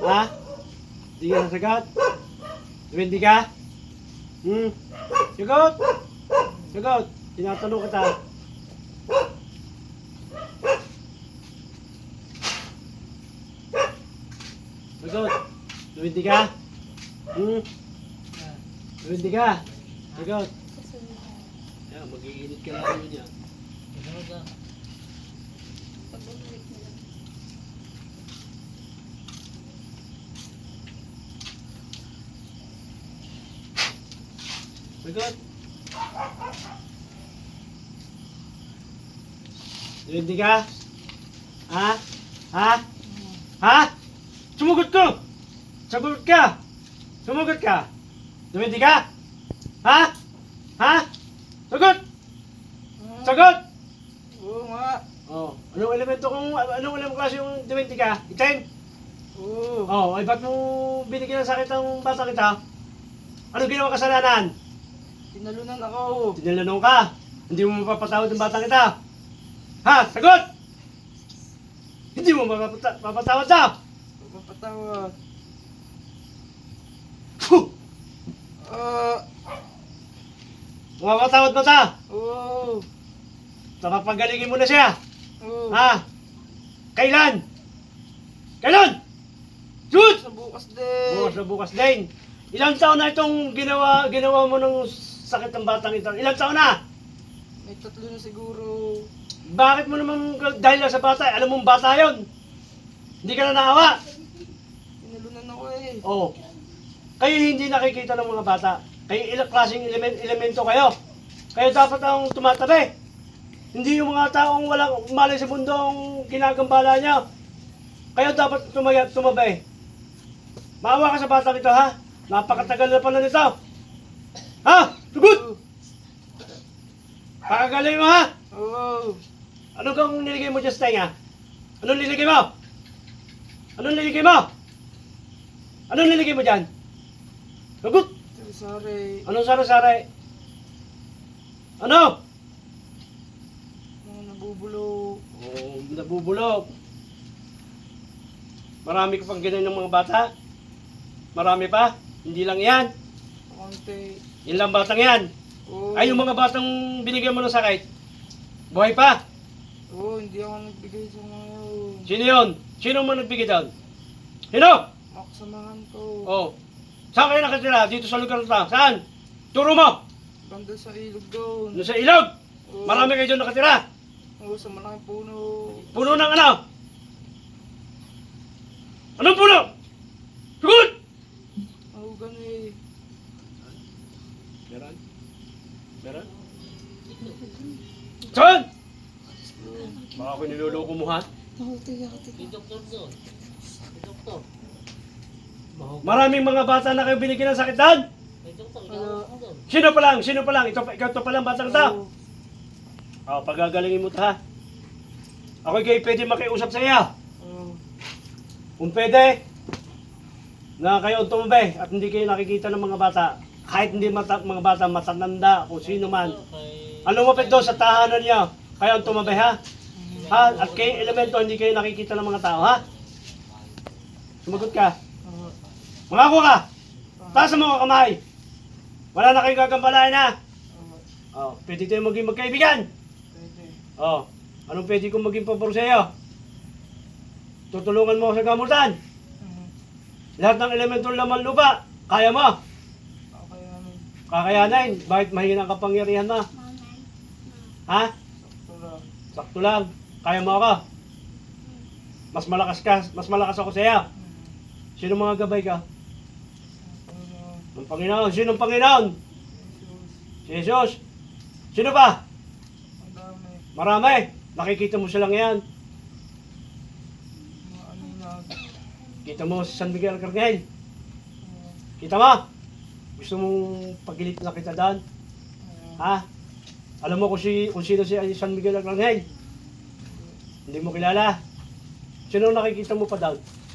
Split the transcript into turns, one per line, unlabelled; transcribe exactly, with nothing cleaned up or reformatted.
Ha? Hindi ka nasagot? Duwende ka? Hmm? Sagot! Sagot! Tinatanong kita. Sagot! Duwende ka? Hmm? Duwende ka? Sagot! Yan, mag-iinit ka lang yun yan. Sagot! Duwende ka? Ha? Ha? Ha? Sumugot ko! Sagot ka! Sumugot ka! Duwende ka? Ha? Ha? Sagot! Sagot!
Oo nga.
Oh, anong elemento kung anong elemento klase yung duwende ka? Itim?
Oo.
Oh, ay ba't mo binigyan ng sakit ang bata kita? Anong ginawa kasalanan?
Tinalunan ako.
Tinalanong ka. Hindi mo mapapatawad ng batang kita. Ha? Sagot! Hindi mo mapapata- mapapatawad na!
Papatawad.
Puh!
Ah.
Mapapatawad mo ta!
Oo.
So, papagalingin mo na siya.
Oo.
Ha? Kailan? Kailan? Shoot!
Sa bukas din.
Bukas na bukas din. Ilang taon na itong ginawa ginawa mo ng sakit ng batang ito? Ilang taon na?
May tatlo na siguro.
Bakit mo naman dahil lang sa bata? Alam mong bata yon. Hindi ka na naawa.
Tinalunan ako eh.
Oh. Kayo hindi nakikita ng mga bata. Kayo ilang klaseng element, elemento kayo. Kayo dapat ang tumatabi. Hindi yung mga taong walang malay sa mundo ang ginagambala niya. Kayo dapat tumaya, tumabi. Maawa ka sa batang ito, ha? Napakatagal na pala nito. Ha? Tugot!
Oo.
Pakagaling mo, ha?
Oo.
Ano kang niligay mo dyan sa tenga? Anong niligay mo? Anong niligay mo? Anong niligay mo dyan? Tugot!
Sorry.
Anong sara-sara? Ano?
Mga nabubulok.
Oh, nabubulok. Marami ka pang ganyan ng mga bata? Marami pa? Hindi lang yan.
Konti.
Yan lang batang yan.
Oo.
Ay, yung mga batang binigyan mo ng sakit. Buhay pa.
Oo, hindi ako nagbigay sa mga yun.
Sino yun? Sino mo nagbigay doon? Sino?
Maksamahan ko.
Oh. Saan kayo nakatira? Dito sa lugar na. Saan? Turo mo.
Banda sa ilog doon.
Doon sa ilog.
Oo.
Marami kayo doon nakatira.
Oo, sa malaking puno.
Puno ng ano? Anong puno? Tugot!
Oo, ganun eh.
Meron? Meron? Saan? Baka ako niloloko mo, ha? Maraming mga bata na kayo binigyan ng sakit doon. Sino pa lang? Sino pa lang? Ito, ikaw to pa lang batang to.
Oo.
Oh, pagagalingin mo to, ha? Ako kayo pwede makiusap sa iyo.
Oo.
Kung pwede, na kayo ang tumabi at hindi kayo nakikita ng mga bata. Kahit hindi mata, mga bata, matatanda, kung sino man. Ang lumapit doon sa tahanan niya, kayo ang tumabi, ha? Ha? At kayo elemento, hindi kayo nakikita ng mga tao, ha? Sumagot ka.
Oo.
Mangako ka! Taas ang mga kamay! Wala na kayong gagambalain, ha?
Oo.
Oh, pwede tayo maging magkaibigan.
Pwede.
Oh, anong pwede kong maging pabor sa iyo? Tutulungan mo ako sa gamutan.
Mhm.
Lahat ng elemento ng laman lupa, kaya mo.
Okay namin.
Kakayanin. Bakit mahina ang kapangyarihan mo? Ha?
Sakto lang.
Sakto lang. Kaya mo ako. Mas malakas ka, mas malakas ako sa iyo.
Mhm.
Sino mga gabay ka?
Panginoon.
Ng Panginoon. Sino ang Panginoon?
Jesus.
Si Jesus. Sino pa?
Ang dami.
Marami. Nakikita mo silang yan.
Mga aninag.
Kita mo si San Miguel Arcangel.
Oo.
Kita mo? Gusto mong pagilit na kita doon?
Oo.
Ha? Alam mo kung, si, kung sino si San Miguel Arcangel? Hindi mo kilala. Sino nakikita mo pa doon?